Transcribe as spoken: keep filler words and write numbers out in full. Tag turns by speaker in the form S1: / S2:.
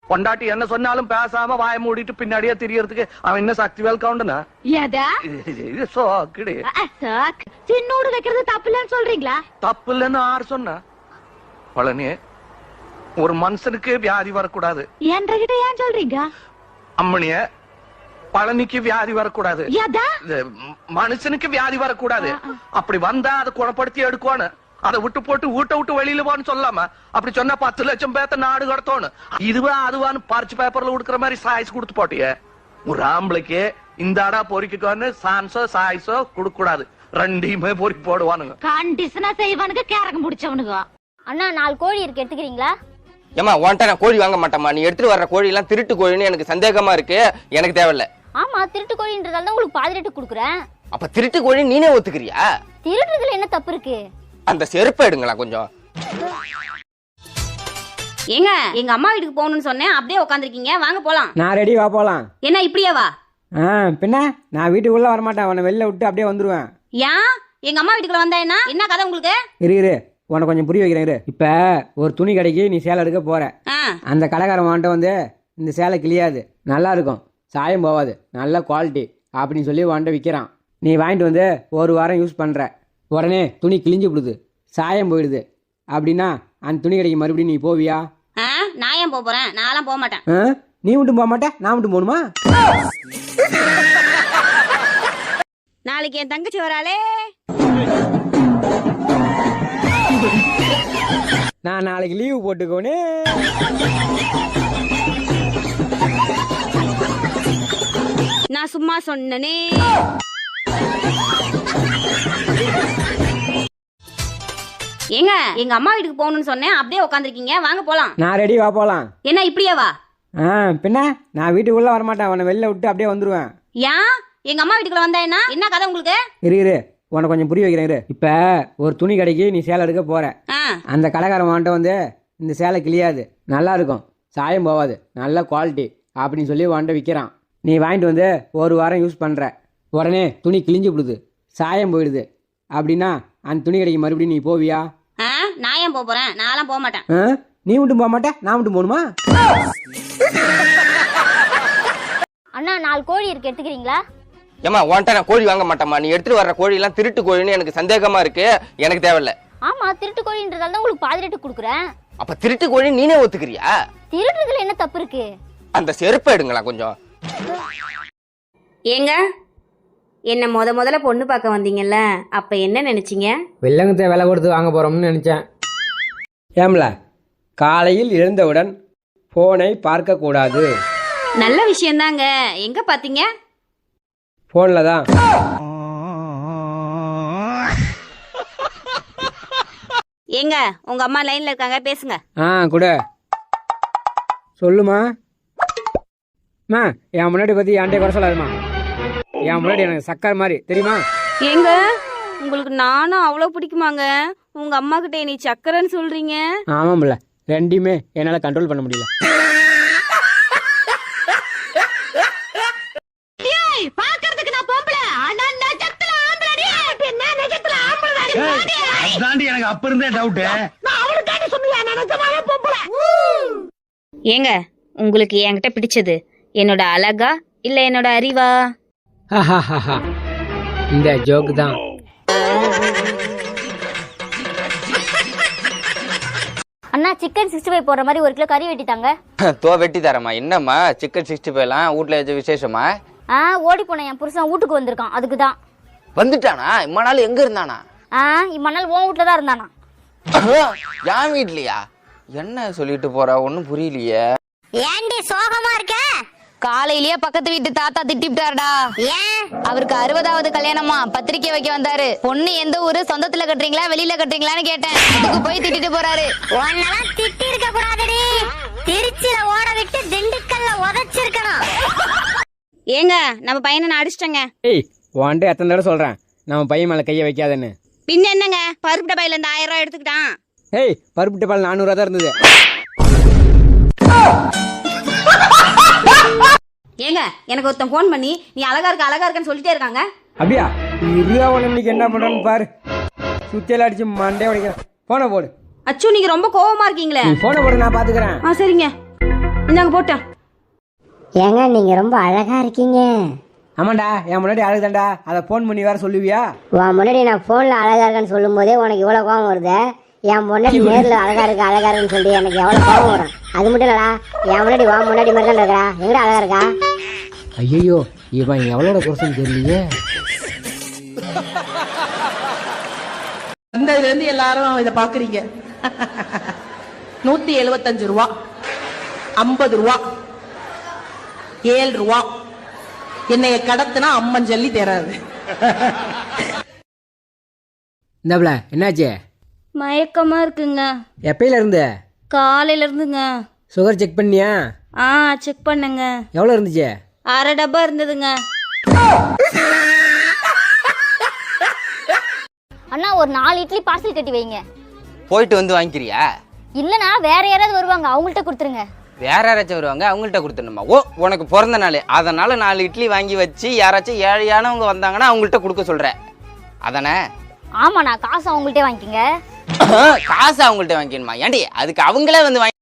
S1: பொண்டாட்டி என்ன சொன்னாலும் பேசாம வாய மூடிட்டு பின்னாடியே தெரியறதுக்கு அவன் என்ன சக்தி வேல் கவுண்டனா?
S2: சின்னோடு வைக்கிறது தப்பு இல்லன்னு சொல்றீங்களா?
S1: தப்பு இல்லன்னு யாரு சொன்னா? பழனி, ஒரு மனுஷனுக்கு வியாதி வரக்கூடாது
S2: என்கிட்ட ஏன் சொல்றீங்க?
S1: அம்மனிய, பழனிக்கு வியாதி வரக்கூடாது, மனுஷனுக்கு வியாதி வரக்கூடாது. அப்படி வந்தா அதை குணப்படுத்தி எடுக்கணும். அதை விட்டு போட்டு வீட்டை விட்டு வெளியில போன்னு சொல்லாம அப்படி சொன்னா பத்து லட்சம் பேத்த நாடு கடத்தோணும். இதுவா அதுவான்னு பறிச்சு பேப்பர்ல கொடுக்குற மாதிரி சாய்ஸ் கொடுத்து போட்டிய. ஒரு ஆம்பளைக்கு இந்த அடா பொறிக்கோன்னு சான்ஸோ சாய்ஸோ கொடுக்க கூடாது. ரெண்டையுமே பொறிக்கு போடுவானுங்க.
S2: கண்டிஷனா செய்வானுங்க, கேரகம் முடிச்சவனுங்க.
S3: அண்ணா நாலு கோழி இருக்கு, எடுத்துக்கிறீங்களா?
S4: ஏமா உன்ட்ட நான் கோழி வாங்க மாட்டேமா. நீ எடுத்துட்டு வர்ற கோழி எல்லாம் திருட்டு கோழின்னு எனக்கு சந்தேகமா இருக்கு. எனக்கு தேவையில்ல.
S3: ஆமா, திருட்டு கோழின்றதால தான் உங்களுக்கு பாதி ரேட்டு கொடுக்குறேன்.
S4: அப்ப திருட்டு கோழி நீனே ஒத்துக்கிறியா?
S3: திருட்டுறதுல என்ன தப்பு இருக்கு?
S4: அந்த செருப்பை எடுங்களா கொஞ்சம்.
S5: ஏங்க, எங்க அம்மா வீட்டுக்கு போகணும்னு சொன்னேன், அப்படியே உட்காந்துருக்கீங்க. வாங்க போலாம்.
S6: நான் ரெடி, வா போலாம்.
S5: என்ன இப்படியே வா?
S6: ஆ பின்ன நான் வீட்டுக்குள்ள வரமாட்டேன், உன்னை வெளில விட்டு அப்படியே வந்துருவேன்.
S5: ஏன் எங்க அம்மா வீட்டுக்குள்ள வந்தா என்ன என்ன கதை உங்களுக்கு?
S6: இரு இரு உனக்கு கொஞ்சம் புரிய வைக்கிறேன். இரு. இப்ப ஒரு துணி கடைக்கு நீ சேலை எடுக்க போற. அந்த கடைக்காரன் வாண்ட வந்து இந்த சேலை கிளியாது, நல்லா இருக்கும், சாயம் போவாது, நல்ல குவாலிட்டி அப்படின்னு சொல்லி வாண்ட விற்கிறான். நீ வாங்கிட்டு வந்து ஒரு வாரம் யூஸ் பண்ற, உடனே துணி கிழிஞ்சு விடுது, சாயம் போயிடுது. அப்படின்னா அந்த துணி கடைக்கு மறுபடியும் நீ போவியா?
S5: நான் ஏன் போறேன்? நான்லாம் போக மாட்டேன்.
S6: நீ மட்டும் போக மாட்டேன், நான் மட்டும் போகணுமா?
S5: நாளைக்கு என் தங்கச்சி வராளே.
S6: நான் நாளைக்கு லீவு போட்டுக்கோனே.
S5: நான் சும்மா சொன்னனே. ஏங்க, எங்க அம்மா வீட்டுக்கு போகணும்னு சொன்னேன், அப்படியே உட்காந்துருக்கீங்க. வாங்க போலாம்.
S6: நான் ரெடி, வா போலாம்.
S5: என்ன இப்படியே வா?
S6: ஆ பின்ன நான் வீட்டுக்குள்ள வரமாட்டேன், உன்னை வெளில விட்டு அப்படியே வந்துருவேன்.
S5: ஏன் எங்க அம்மா வீட்டுக்குள்ள வந்தா என்ன என்ன கதை உங்களுக்கு?
S6: இரு இரு உனக்கு கொஞ்சம் புரிய வைக்கிறேன். இரு. இப்ப ஒரு துணி கடைக்கு நீ சேலை எடுக்க போற. அந்த கடைக்காரன் வாண்ட வந்து இந்த சேலை கிளியாது, நல்லா இருக்கும், சாயம் போவாது, நல்ல குவாலிட்டி அப்படின்னு சொல்லி வாண்ட விற்கிறான். நீ வாங்கிட்டு வந்து ஒரு வாரம் யூஸ் பண்ற, உடனே துணி கிழிஞ்சு விடுது, சாயம் போயிடுது. அப்படின்னா அந்த துணி கடைக்கு மறுபடியும் நீ போவியா?
S5: நான் ஏன் போறேன்? நான்லாம் போக மாட்டேன்.
S6: நீ மட்டும் போக மாட்டேன், நான் மட்டும் போகணுமா?
S3: அண்ணா நாலு கோழி இருக்கு, எடுத்துக்கிறீங்களா?
S4: ஏமா உன்ட்ட நான் கோழி வாங்க மாட்டேமா. நீ எடுத்துட்டு வர்ற கோழி எல்லாம் திருட்டு கோழின்னு எனக்கு சந்தேகமா இருக்கு. எனக்கு தேவையில்ல.
S3: ஆமா, திருட்டு கோழின்றதால தான் உங்களுக்கு பாதி ரேட்டு கொடுக்குறேன்.
S4: அப்ப திருட்டு கோழி நீனே ஒத்துக்கிறியா?
S3: திருட்டுறதுல என்ன தப்பு இருக்கு?
S4: அந்த செருப்பை எடுங்களா கொஞ்சம்.
S5: ஏங்க, என்ன முத முதல்ல பொண்ணு பார்க்க வந்தீங்கல்ல, அப்ப என்ன நினைச்சீங்க?
S6: வெள்ளங்கத்தை விலை கொடுத்து வாங்க போறோம்னு நினைச்சேன். ஏம்ல, காலையில் எழுந்தவுடன் போனை பார்க்க கூடாது.
S5: நல்ல விஷயம் தாங்க. எங்க பாத்தீங்க?
S6: போன்ல தான்.
S5: ஏங்க, உங்க அம்மா லைன்ல இருக்காங்க, பேசுங்க.
S6: ஆ கூட சொல்லுமா. மா என் முன்னாடி பத்தி என்கிட்ட குறை சொல்லாதுமா. என் முன்னாடி எனக்கு சக்கர் மாதிரி தெரியுமா?
S5: ஏங்க, உங்களுக்கு நானும் அவ்வளவு பிடிக்குமாங்க? உங்க அம்மா கிட்ட நீ சக்கரன்னு சொல்றீங்க.
S6: ஆமாம்ல, ரெண்டையுமே என்னால கண்ட்ரோல் பண்ண முடியல.
S2: பாக்குறதுக்கு நான் பொம்பளை, ஆனா நெஜத்துல ஆம்பளடி. என்ன நெஜத்துல ஆம்பளடி?
S1: அதாண்டி எனக்கு அப்ப இருந்தே டவுட்.
S2: நான் அவளுக்காண்டி சொன்னியா, நான் நிஜமாவே பொம்பளை.
S5: ஏங்க, உங்களுக்கு என்கிட்ட பிடிச்சது என்னோட அழகா இல்ல என்னோட அறிவா?
S6: இந்த ஜோக்கு தான்.
S3: அண்ணா சிக்கன் சிக்ஸ்டி ஃபைவ் போடுற மாதிரி ஒரு கிலோ கறி வெட்டிட்டாங்க.
S4: தோ வெட்டி தரமா. என்னம்மா சிக்கன் சிக்ஸ்டி ஃபைவ் எல்லாம் வீட்டுல எது விசேஷமா?
S3: ஆ ஓடி போன என் புருஷன் வீட்டுக்கு வந்திருக்கான், அதுக்குதான்.
S4: வந்துட்டானா? இம்மா நாள் எங்க இருந்தானா?
S3: ஆ இம்ம நாள் உன் வீட்டுல தான் இருந்தானா.
S4: என் வீட்லயா? என்ன சொல்லிட்டு போறா, ஒன்னும் புரியலையே.
S2: ஏண்டி சோகமா இருக்க?
S7: காலையிலேயே பக்கத்து வீட்டு தாத்தா திட்டிவிட்டாருடா. ஏன்? அவருக்கு அறுபதாவது கல்யாணமா, பத்திரிக்கை வைக்க வந்தாரு. பொண்ணு எந்த ஊரு, சொந்தத்துல கட்டுறீங்களா வெளியில கட்டுறீங்களான்னு கேட்டேன். அதுக்கு போய் திட்டிட்டு போறாரு.
S2: உன்னெல்லாம் திட்டி இருக்க கூடாதுடி, திருச்சியில ஓட விட்டு திண்டுக்கல்ல உதைச்சிருக்கணும்.
S5: ஏங்க, நம்ம பையனை நான் அடிச்சிட்டேங்க.
S6: ஏய் உன்கிட்ட எத்தனை தடவை சொல்றேன் நம்ம பையன் மேல கையை வைக்காதன்னு.
S5: பின்ன என்னங்க, பருப்பு டப்பாயில இருந்து ஆயிரம் ரூபாய் எடுத்துக்கிட்டான்.
S6: ஏய் பருப்பு டப்பால் நானூறு ரூபா தான் இருந்தது.
S5: ஏங்க, எனக்கு ஒருத்தன் போன் பண்ணி நீ அழகா இருக்க அழகா இருக்கன்னு சொல்லிட்டே இருக்காங்க.
S6: அப்படியா? இருபது இன்னைக்கு என்ன பண்றன்னு பாரு. சுத்தியெல்லாம் அடிச்சு மண்டே உடைக்கிறேன். போன போடு.
S5: அச்சு, நீங்க ரொம்ப கோவமா இருக்கீங்களே.
S6: போன போடு, நான் பாத்துக்கிறேன்.
S5: ஆ சரிங்க.
S8: இந்தாங்க போட்டேன்.
S2: ஏங்க நீங்க ரொம்ப அழகா இருக்கீங்க.
S6: ஆமாண்டா, என் முன்னாடி அழகுதாண்டா, அதை ஃபோன் பண்ணி வேற சொல்லுவியா?
S2: உன் முன்னாடி நான் போன்ல அழகா இருக்கேன்னு சொல்லும் போதே உனக்கு இவ்வளவு கோவம் வருது. என் முன்னாடி நேர்ல அழகா இருக்கு அழகா இருக்குன்னு சொல்லி எனக்கு எவ்வளவு கோவம் வரும். அது மட்டும் இல்லடா, என் முன்னாடி உன் முன்னாடி மாதிரி தான் இருக்கா, எங்கடா அழகா இருக்கா?
S6: ஐயோ, இவன் எவ்வளோட குறைச்சல் தெரியலையே.
S8: வந்ததுல இருந்து எல்லாரும் இதை பாக்குறீங்க. நூத்தி எழுபத்தஞ்சு ரூபா, ஐம்பது ரூபா, ஏழு ரூபா. என்னைய கடத்துனா அம்மன் ஜல்லி தராது.
S6: இந்தாப்ல என்னாச்சு?
S5: மயக்கமா இருக்குங்க.
S6: எப்பயில இருந்து?
S5: காலையில இருந்துங்க.
S6: சுகர் செக் பண்ணியா?
S5: ஆ செக் பண்ணுங்க.
S6: எவ்வளோ இருந்துச்சு?
S5: அரை டப்பா இருந்ததுங்க.
S3: அண்ணா ஒரு நாலு இட்லி பார்சல் கட்டி வைங்க.
S4: போயிட்டு வந்து வாங்கிக்கிறியா?
S3: இல்லனா வேற யாராவது வருவாங்க, அவங்கள்ட்ட கொடுத்துருங்க.
S4: வேற யாராச்சும் வருவாங்க, அவங்கள்ட்ட கொடுத்துடணுமா? ஓ, உனக்கு பிறந்த நாள், அதனால நாலு இட்லி வாங்கி வச்சு யாராச்சும் ஏழையானவங்க வந்தாங்கன்னா அவங்கள்ட்ட கொடுக்க சொல்ற அதானே?
S3: ஆமாண்ணா, காசு அவங்கள்ட்டே வாங்கிக்கங்க.
S4: காசு அவங்கள்ட்ட வாங்கிக்கணுமா? ஏண்டி அதுக்கு அவங்களே வந்து வாங்கி